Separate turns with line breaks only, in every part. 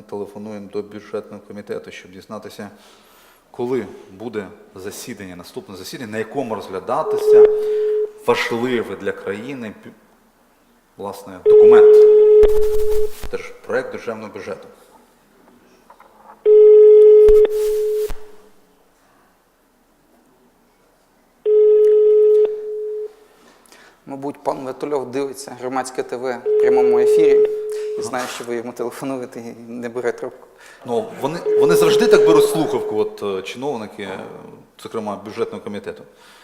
телефонуємо до бюджетного комітету, щоб дізнатися, коли буде засідання, наступне засідання, на якому розглядатися важливий для країни, власне, документ, проект державного бюджету.
Мабуть, пан Ватульов дивиться Громадське ТВ в прямому ефірі і знає, що ви йому телефонуєте і не бере трубку.
Ну, вони завжди так беруть слухавку, от чиновники, зокрема бюджетного комітету.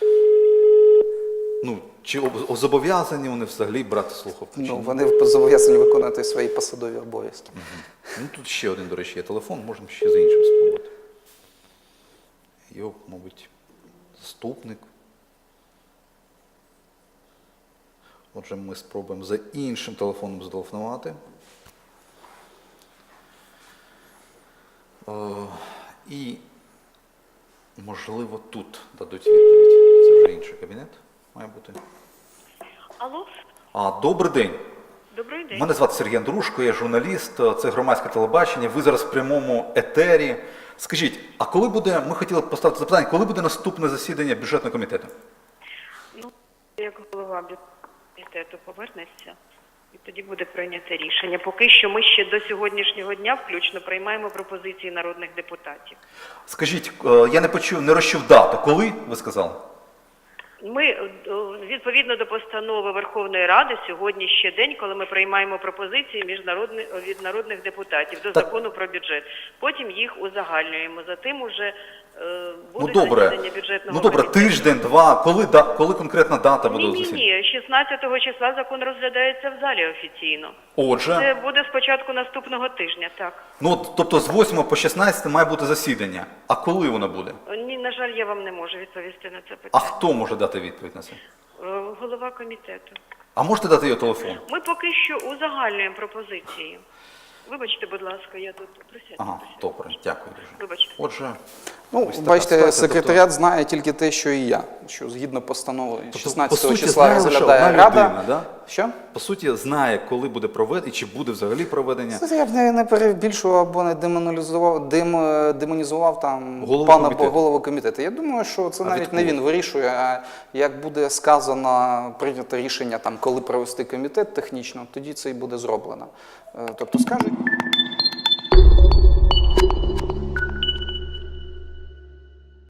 Ну, чи зобов'язані вони взагалі брати слухавку?
Ну, вони зобов'язані виконувати свої посадові обов'язки.
Ну, тут ще один, до речі, є телефон, можемо ще за іншим спробувати. Його, мабуть, заступник. Отже, ми спробуємо за іншим телефоном зателефонувати. І, можливо, тут дадуть відповідь. Це вже інший кабінет має бути.
Алло?
Добрий день.
Добрий день.
Мене звати Сергій Андрушко, я журналіст, це громадське телебачення, ви зараз в прямому етері. Скажіть, а коли буде, ми хотіли поставити запитання, коли буде наступне засідання бюджетного комітету?
Ну, як голова бюджетного комітету повернеться, і тоді буде прийнято рішення. Поки що ми ще до сьогоднішнього дня включно приймаємо пропозиції народних депутатів.
Скажіть, я не розчув дату. Коли, ви сказали?
Ми, відповідно до постанови Верховної Ради, сьогодні ще день, коли ми приймаємо пропозиції від народних депутатів до закону про бюджет. Потім їх узагальнюємо. Затим уже буде засідання бюджетного комітету.
Тиждень, два. Коли конкретна дата буде засідання?
Ні, 16 числа закон розглядається в залі офіційно.
Отже.
Це буде спочатку наступного тижня, так.
Ну, тобто з 8 по 16 має бути засідання. А коли воно буде?
Ні, на жаль, я вам не можу відповісти на це питання.
А хто може дати відповідь на це?
Голова комітету.
А можете дати його телефон?
Ми поки що узагальнюємо пропозиції. Вибачте, будь ласка, я тут присядьте.
Ага, добре, дякую дуже.
Вибачте.
Отже,
Ну,
ось така
бачите,
ситуація.
секретаріат знає тільки те, що і я, що згідно постанови
Тобто,
16
по суті,
числа
знає лише
розглядає
одна
Рада.
людина, да?
Що?
По суті, знає, коли буде проведення, і чи буде взагалі проведення.
Це я б не перебільшував або не демонізував там голову комітету. Я думаю, що це навіть не він вирішує, а як буде сказано, прийнято рішення, там, коли провести комітет технічно, тоді це і буде зроблено. Тобто скажуть...